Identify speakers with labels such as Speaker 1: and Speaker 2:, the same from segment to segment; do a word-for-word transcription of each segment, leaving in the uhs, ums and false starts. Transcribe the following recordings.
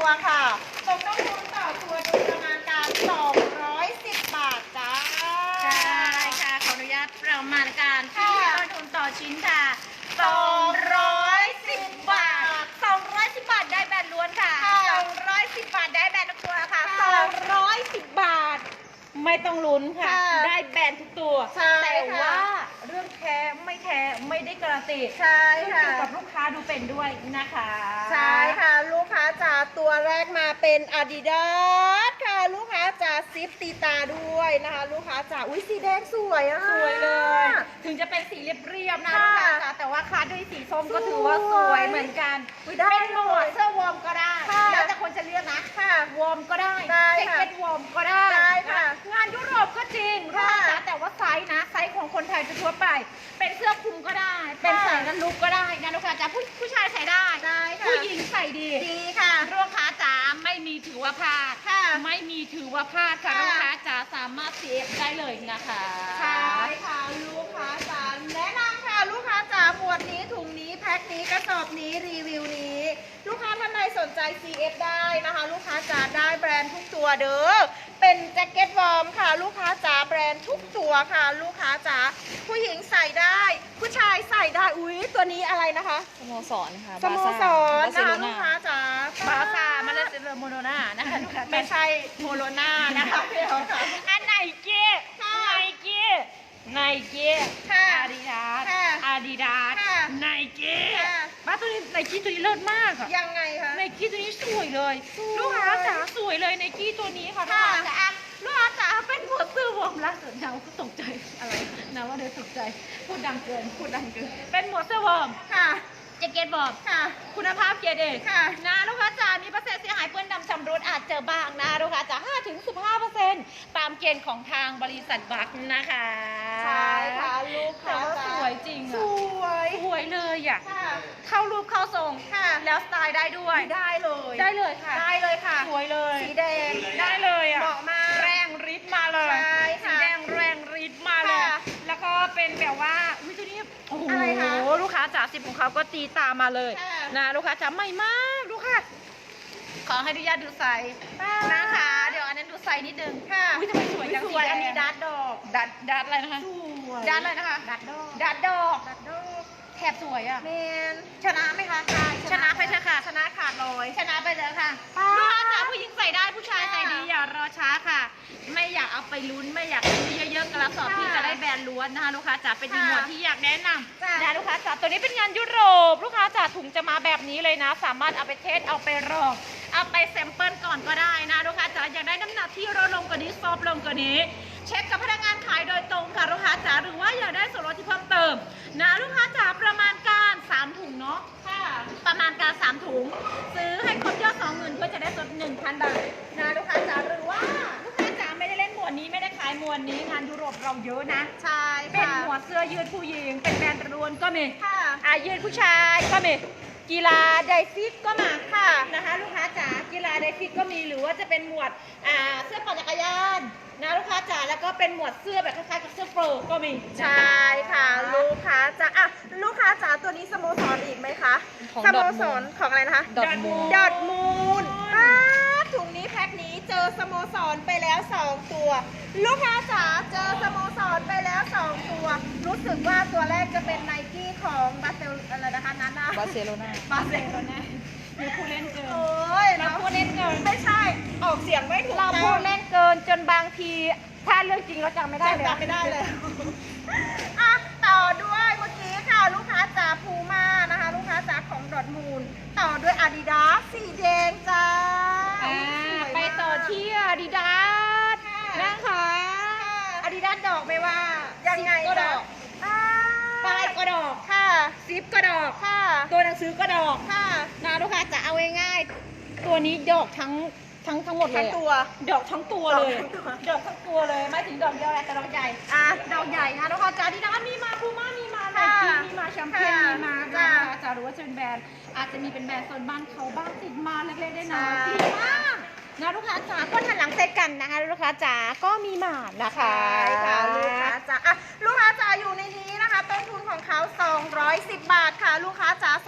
Speaker 1: ตัวค่ะตกต้นทุนต่อตัวโดยประมาณการสองร้อยสิบบาทจ้า
Speaker 2: ใช่ค่ะขออนุญาตประมาณการที่ต้นทุนต่อชิ้นค่ะสองร้อยสิบบาทสองร้อยสิบบาทได้แบรนด์ล้วนค่ะสองร้อยสิบบาทได้แบรนด์ทุกตัวค่ะสองร้อยสิบบาทไม่ต้องลุ้นค่ะได้แบรนด์ทุกตัวแต่ว่าเรื่องแท้ไม่แท้ไม่ได้การันตี
Speaker 1: ใช่ค่ะ
Speaker 2: ขึ้นอยู่กับลูกค้าดูเป็นด้วยนะคะ
Speaker 1: ใช่ค่ะลูกค้าจ๋าตัวแรกมาเป็น Adidas ค่ะลูกค้าจ๋าซิปตีตาด้วยนะคะลูกค้าจ๋าอุ้ยสีแดงสวยอ่ะ
Speaker 2: สวยเลยถึงจะเป็นสีเรียบๆนะลูกค้าจ๋าแต่ว่าคาดด้วยสีส้มก็ถือว่าสวยเหมือนกันเป็นหมวดเสื้อวอร์มก็ได้แล้วแต่คนจะเลือกนะวอร์มก็ได้แจ็คเก็ตวอร์มก็ได้งานยุโรปก็จริงลูกค้าจ๋าแต่ว่าไซส์นะไซส์ของคนไทยทั่วไปเป็นเสื้อคลุมก็ได้เป็นใส่กันลุกก็ได้นะลูกค้าจ๋าผู้ผู้ชายใส่ได้ผู้หญิงใส่ดี
Speaker 1: ดีค่ะ
Speaker 2: ลูกค้าจ๋าไม่มีถือว่าพลาดไม่มีถือว่าพลาดค่ะลูกค้าจ๋าสามารถ ซี เอฟ ได้เลยนะคะ
Speaker 1: ใช่ค่ะลูกค้าจ๋าแนะนำค่ะลูกค้าจ๋าหมวดนี้ถุงนี้แพ็คนี้กระสอบนี้รีวิวนี้ลูกค้าท่านใดสนใจ ซี เอฟ ได้นะคะลูกค้าจ๋าได้แบรนด์ทุกตัวเด้อเป็นแจ็คเก็ตวอร์มค่ะลูกค้าจ๋าแบรนด์ทุกตัวค่ะลูกค้าจ๋าผู้หญิงใส่ได้ผู้ชายใส่ได้อุ้ยตัวนี้อะไรนะคะ
Speaker 3: สโมสรค่ะ
Speaker 1: สโมสรนะคะลูกค้าจ๋า
Speaker 2: บาซ่ามาเลเซียโมโนนานะคะ
Speaker 1: ไม่ใช่โมโลนานะคะเดี๋ยวค่ะ
Speaker 2: อันไหนเก้ไนกี้ไนกี้อาดิดาสอาดิดาสไนกี้บ้าตัวนี้ไนกี้ตัวนี้เลิศมากค่ะ
Speaker 1: ยังไงคะ
Speaker 2: ไนกี้ตัวนี้สวยเลยลูกค้าจ๋าสวยเลยไนกี้ตัวนี้ค่ะลูกค้าจ๋าลูกค้าจ๋าเป็นหัวซื้อวอร์มล่าสุดเราก็ตกใจอะไรนะว่าเดี๋ยวตกใจพูดดังเกินพูดดังเกินเป็นหมวดเสื้อวอร์ม
Speaker 1: ค่ะ
Speaker 2: แจ็คเก็ตวอร์ม
Speaker 1: ค่ะ
Speaker 2: คุณภาพเกียรติเอกนะลูกค้าจ๋ามีเปอร์เซ็นต์เสียหายเปื้อนดำชำรุดอาจเจอบ้างนะลูกค้าจ๋าห้าถึงสิบห้าเปอร์เซ็นต์ตามเกณฑ์ของทางบริษัทบัคนะคะ
Speaker 1: ใช่ค่ะลูกค้า
Speaker 2: สวยจริง
Speaker 1: สวย
Speaker 2: สวยเลยอ่ะเข้ารูปเข้าทรงแล้วสไตล์ได้ด้วย
Speaker 1: ได้เลย
Speaker 2: ได้เลยค่ะ
Speaker 1: ได้เลยค่ะ
Speaker 2: สวยเลย
Speaker 1: สีแดง
Speaker 2: ได้เลยอ่ะ
Speaker 1: เหมาะมาก
Speaker 2: แรงฤทธิ์มาเลยสีแดงแรงฤทธิ์มาเลยแล้วก็เป็นแบบว่าอุ้ยตัวนี้โอ้โหลูกค้าจ๋าสิบของเขาก็ตีตามมาเลยนะลูกค้าจ๋าใหม่มากลูกค้าขอให้อนุญาตดูไซส์นะคะเดี๋ยวอันนั้นดูไซส์นิดนึง
Speaker 1: ค่ะ
Speaker 2: อุ้ยทำไมสวยจัง
Speaker 1: สวยอันนี้ดัดดอก
Speaker 2: ดัดดัดอะไรนะคะดัดอะไรนะคะ
Speaker 1: ดัดดอก
Speaker 2: ดัดดอก
Speaker 1: ดัดดอก
Speaker 2: แถบสวยอ่ะ
Speaker 1: เมน
Speaker 2: ชนะไหมคะชนะไปเถอะค่ะ
Speaker 1: ชนะขาดลอย
Speaker 2: ชนะไปเถอะค่ะลูกค้าจ๋าผู้หญิงใส่ได้ผู้ชายใส่ดีอย่ารอช้าค่ะไม่อยากเอาไปลุ้นไม่อยากซื้อเยอะๆกระสอบที่จะได้แบรนด์ล้วนนะคะลูกค้าจ๋าเป็นอีกหมวดที่อยากแนะนำนะลูกค้าจ๋าตัวนี้เป็นงานยุโรปลูกค้าจ๋าถุงจะมาแบบนี้เลยนะสามารถเอาไปเทสเอาไปลองเอาไปแซมเปิลก่อนก็ได้นะลูกค้าจ๋าอยากได้น้ำหนักที่ลดลงกว่านี้ซอฟลงกว่านี้เช็คกับพนักงานขายโดยตรงค่ะลูกค้าจ๋าหรือว่าอยากได้ส่วนลดที่เพิ่มเติมนะลูกค้าจ๋าประมาณการสามถุงเนาะค่ะประมาณการสามถุงซื้อให้ครบยอดสองหมื่นเพื่อจะได้ลดหนึ่งพันบาทนะลูกค้าจ๋าหรือว่าลูกค้าจ๋าไม่ได้เล่นหมวดนี้ไม่ได้ขายหมวดนี้งานยุโรปเราเยอะนะ
Speaker 1: ใช่
Speaker 2: เป็นหมวดเสื้อยืดผู้หญิงเป็นแบรนด์รวนก็มี
Speaker 1: ค่ะ
Speaker 2: อายืดผู้ชายก็มีกีฬาไดฟิตก็มาค่ะนะคะลูกค้าจ๋ากีฬาไดฟิตก็มีหรือว่าจะเป็นหมวดอ่าเสื้อปั่นจักรยานนะลูกค้าจ๋าแล้วก็เป็นหมวดเสื้อแบบคล้ายๆกับเสื้อโปรก็มี
Speaker 1: ใช่ค่ะลูกค้าจ๋าอ่ะลูกค้าจ๋าตัวนี้สโมสรอีกไหมคะสโมสรของอะไรนะคะ
Speaker 2: ดอทมูน
Speaker 1: ดอทมูนป้าถุงนี้แพ็คนี้เจอสโมสรไปแล้วสองตัวลูกค้าจ๋าเจอสโมสรไปแล้วสองตัวรู้สึกว่าตัวแรกจะเป็นไนกี้ของบาเซลอะไรนะคะนั้นนะ
Speaker 3: บาร์เซโลนา
Speaker 1: บาเซโลนา
Speaker 2: มีผู้เล่นเกิน
Speaker 1: โอ้ย
Speaker 2: เราพูดเล่นเกิน
Speaker 1: ไม่ใช่ออกเสียงไม่ถูก
Speaker 2: เราพูดเล่นเกินจนบางทีถ้าเรื่องจริงเราจำไม่ได้เลย
Speaker 1: จำไม่ได้เลยอ่ะต่อด้วยเมื่อกี้ค่ะลูกค้าจ๋าพูม่านะคะลูกค้าจ๋าของดอทมูนต่อด้วยอาดิดาสสีแดงจ้า
Speaker 2: ไปต่อที่อาดิดาสนะคะอาดิดาสดอกไม่ว่า
Speaker 1: ยังไง
Speaker 2: ก็ดอกป้ายก็ดอกค่ะซิปก็ดอก
Speaker 1: ค่ะ
Speaker 2: ตัวหนังสือก็ดอก
Speaker 1: ค่ะ
Speaker 2: นะลูกค้าจะเอาง่ายๆตัวนี้ดอกทั้งทั้งทั้งหมดเลย
Speaker 1: ทั้งตัว
Speaker 2: ดอกทั้งตัวเลยดอกทั้งตัวเลยไม่ถึงดอกเดียวแต่ดอกใหญ่อ่ะดอกใหญ่นะลูกค้าจ๋าดีนะมีมาพูม่ามีมาไนกี้มีมาแชมเปี้ยนมีมาจ้าจ๋าหรือว่าจะเป็นแบรนด์อาจจะมีเป็นแบรนด์โซนบ้านเขาบ้างติดมาเล็กๆได้น้อยดีมากนะลูกค้าจ๋าก็หันหลังเซตกันนะคะลูกค้าจ๋าก็มีหมานะคะ
Speaker 1: ค่ะลูกค้าจ๋าอ่ะลูกค้าจ๋าอยู่ในนี้นะคะต้นทุนของเขาสองร้อยสิบบาทค่ะลูกค้าจ๋าส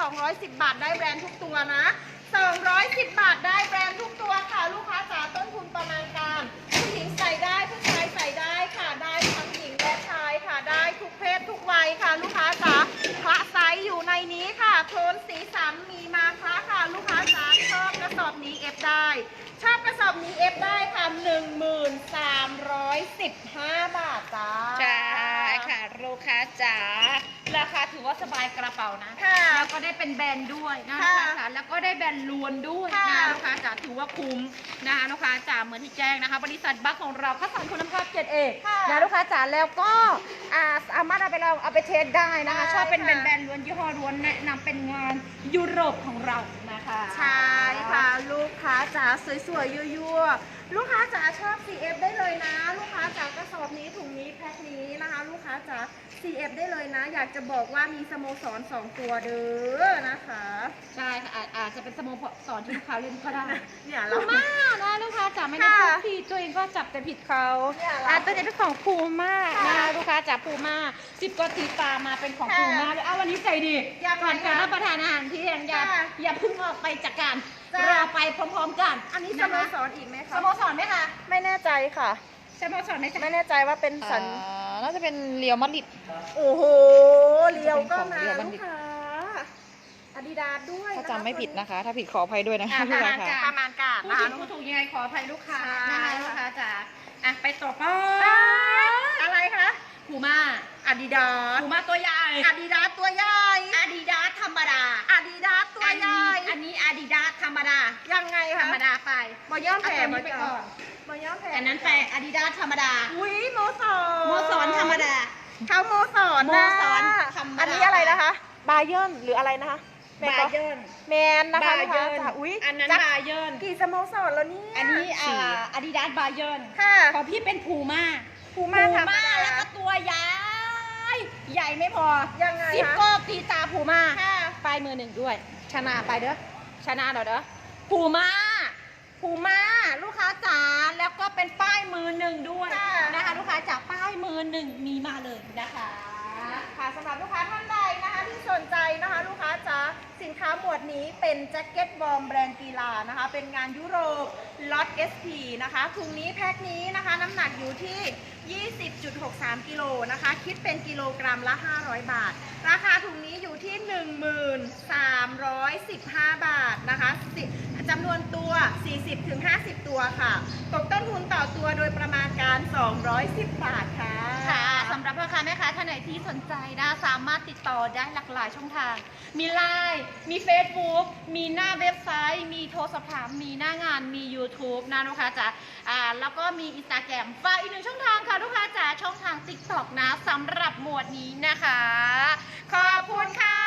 Speaker 1: องร้อยสิบบาทได้แบรนด์ทุกตัวนะสองร้อยสิบบาทได้แบรนด์ทุกตัวค่ะลูกค้าจ๋าต้นทุนประมาณการผู้หญิงใส่ได้ผู้ชายใส่ได้ค่ะได้ทั้งหญิงและชายค่ะได้ทุกเพศทุกวัยค่ะลูกค้าจ๋าคละไซส์อยู่ในนี้ค่ะโทนสีสันมีมาคละค่ะลูกค้าจ๋าชอบกระสอบนี้เอฟได้ชอบกระสอบนี้เอฟได้ค่ะหนึ่งหมื่นสามร้อยสิบห้าบาทจ้า
Speaker 2: ใช่ค่ะลูกค้าจ๋าราคาถือว่าสบายกระเป๋านะ
Speaker 1: ค่ะ
Speaker 2: แล้วก็ได้เป็นแบรนด์ด้วยนะ
Speaker 1: ค่ะ
Speaker 2: ลูกค้าจ๋าแล้วก็ได้แบรนด์ล้วนด้วย
Speaker 1: ค่ะ
Speaker 2: นะลูกค้าจ๋าถือว่าคุ้มนะคะลูกค้าจ๋าเหมือนที่แจ้งนะคะบริษัทบัคของเราคัดสรรคุณภาพเกรดเอ
Speaker 1: ค่ะ
Speaker 2: นะลูกค้าจ๋าแล้วก็อ่าสามารถเอาไปเราเอาไปเทสได้นะคะ
Speaker 1: ใช่
Speaker 2: ชอบเป็นแบร
Speaker 1: ค่ะ
Speaker 2: นด์แบรนด์ล้วนยี่ห้อล้วนแนะนำเป็นงานยุโรปของเรานะคะ
Speaker 1: ใช่ค่ะลูกค้าจ๋าสวยๆยั่วๆลูกค้าจ๋าชอบ ซี เอฟ ได้เลยนะ ลูกค้าจ๋ากระสอบนี้ถุงนี้แพ็คนี้นะคะ ลูกค้าจ๋า ซี เอฟ ได้เลยนะ อยากจะบอกว่ามีสโมสรสองตัวเด้อนะคะ
Speaker 2: ใช่ค่ะอาจอาจจะเป็นสโมสรที่ลูกค้าเล่นก็ได้
Speaker 1: เนี่ย
Speaker 2: พู
Speaker 1: เรา
Speaker 2: ม่านะลูกค้าจ๋าไม่ได้
Speaker 1: ค่ะ
Speaker 2: พูดผิดตัวเองก็จับแต่ผิดเขา
Speaker 1: เนี่ยเหรอ
Speaker 2: อ่ะตัวนี้เป็นของพูม่า
Speaker 1: ค่ะ
Speaker 2: นะลูกค้าจ๋าพูม่าสิบกว่าตีตามมาเป็นของ
Speaker 1: ค่ะ
Speaker 2: พูม่าเลยเอาวันนี้ใจดี
Speaker 1: อยาก
Speaker 2: ก่อน
Speaker 1: ไหม
Speaker 2: การ
Speaker 1: คะ
Speaker 2: รับประทานอาหารที่ยังอย่า
Speaker 1: ค่ะ
Speaker 2: อย่าเพึ่งออกไปจากการ
Speaker 1: จ้ะ
Speaker 2: รอไปพร้อมๆกัน
Speaker 1: อันนี้ส
Speaker 2: ะ
Speaker 1: โม
Speaker 2: คะ
Speaker 1: สรอีกไหม
Speaker 2: ส
Speaker 1: คะ
Speaker 2: โมสรไหมคะ
Speaker 1: ไม่แน่ใจค่ะ
Speaker 2: สโมสรไหมจ๊ะ
Speaker 1: ไม่แน่ใจว่าเป็นสัญ
Speaker 3: น่าจะเป็นเรียวมาดริด
Speaker 1: โอ้โหเลียวก็มา
Speaker 3: เรียวบั
Speaker 1: ลู
Speaker 3: ณฑิ
Speaker 1: ก
Speaker 3: ต
Speaker 1: ค้าอาดิดาสด้วย
Speaker 3: ถ้า
Speaker 1: นะคะ
Speaker 3: จำไม่ผิดนะคะ ถ้าผิดขออภัยด้วยนะ
Speaker 2: อ่ะ
Speaker 3: คะ
Speaker 2: ประ
Speaker 3: ลูก
Speaker 2: มาณ
Speaker 3: ค้า
Speaker 2: จ้ะ
Speaker 3: ค่ะ
Speaker 1: ประมาณการ
Speaker 2: พูด
Speaker 1: นะ
Speaker 2: ถู
Speaker 1: คะ
Speaker 2: กพูดถูกยังไงขออภัยลูกค้า
Speaker 1: ใช่
Speaker 2: นะคะลูกค้าจ๋าอ่ะไปต่อไป
Speaker 1: อะไรคะ
Speaker 2: พูม่า
Speaker 1: อาดิดาส
Speaker 2: พูม่าตัวใหญ่
Speaker 1: อาดิดาสตัวใหญ่
Speaker 2: อาดิดาสธรรมดา
Speaker 1: อาดิดาสตัวใหญ่
Speaker 2: อันนี้อาดิดาสธรรมดา
Speaker 1: ยังไง
Speaker 2: ธร
Speaker 1: คะ
Speaker 2: รมดาไป
Speaker 1: บอย่อม
Speaker 2: เอา
Speaker 1: แผ่
Speaker 2: ตัวนี้ไปก่อน
Speaker 1: บอย่อมแผ่
Speaker 2: อันนั้นไปอาดิดาสธรรมดา
Speaker 1: อุ้ยโมสอน
Speaker 2: โมสอนธรรมดา
Speaker 1: เขาโมสอน
Speaker 2: โม
Speaker 1: นะ
Speaker 2: สอนธรรมดา
Speaker 1: อันนี้อะไรนะคะ บาเยิร์นหรืออะไรนะคะแมน
Speaker 2: บา
Speaker 1: ก็
Speaker 2: เยิร์น
Speaker 1: แมนนะคะ
Speaker 2: บา
Speaker 1: ลูก
Speaker 2: เยิ
Speaker 1: ค้า
Speaker 2: ร์น
Speaker 1: จ๋าอุ้ย
Speaker 2: อันนั้น
Speaker 1: จัก
Speaker 2: บาเยิร์น
Speaker 1: กี่สโมสรแล้วเนี่ย
Speaker 2: อันนี้อ่า
Speaker 3: สี่
Speaker 2: อาดิดาสบาเยิร์น
Speaker 1: ค่ะ
Speaker 2: ของพี่เป็นพูม่า
Speaker 1: พูม่าธรรมดา
Speaker 2: แล้วก็ตัวใหญ่ ใหญ่ไม่พอ
Speaker 1: ยังไง
Speaker 2: ซิป
Speaker 1: คะ
Speaker 2: โก้ตีตาพูม่า
Speaker 1: ค่ะ
Speaker 2: ป้ายมือหนึ่งด้วย ชนะไปเด้อ ชนะเด้อเด้อพูม่าพูม่าลูกค้าจ๋าแล้วก็เป็นป้ายมือหนึ่งด้วย
Speaker 1: ค่ะ
Speaker 2: นะคะ ลูกค้าจ๋าป้ายมือหนึ่งมีมาเลยนะคะ
Speaker 1: ค่ะสำหรับลูกค้าท่านใดนะคะที่สนใจนะคะ ลูกค้าจ๋าสินค้าหมวดนี้เป็นแจ็คเก็ตวอร์มแบรนด์กีฬานะคะ เป็นงานยุโรปล็อต เอส พี นะคะถุงนี้แพ็คนี้นะคะ น้ำหนักอยู่ที่ ยี่สิบจุดหกสาม กิโลนะคะ คิดเป็นกิโลกรัมละ ห้าร้อย บาท ราคาถุงนี้อยู่ที่ หนึ่งหมื่นสามร้อยสิบห้า บาทนะคะสิจำนวนตัว สี่สิบถึงห้าสิบ ตัวค่ะตกต้นทุนต่อตัวโดยประมาณการ สองร้อยสิบ บาทค่ะ
Speaker 2: ค่ะสำหรับพ่อค้าแม่ค้าท่านไหนที่สนใจนะสามารถติดต่อได้หลากหลายช่องทาง มีไลน์มี Facebook มีหน้าเว็บไซต์ มีโทรสอบถามมีหน้างานมี YouTube นะลูกค้าจ๋าอ่าแล้วก็มี Instagram ฝากอีกหนึ่งช่องทางค่ะลูกค้าจ๋าช่องทาง TikTok นะสำหรับหมวดนี้นะคะ ขอบคุณค่ะ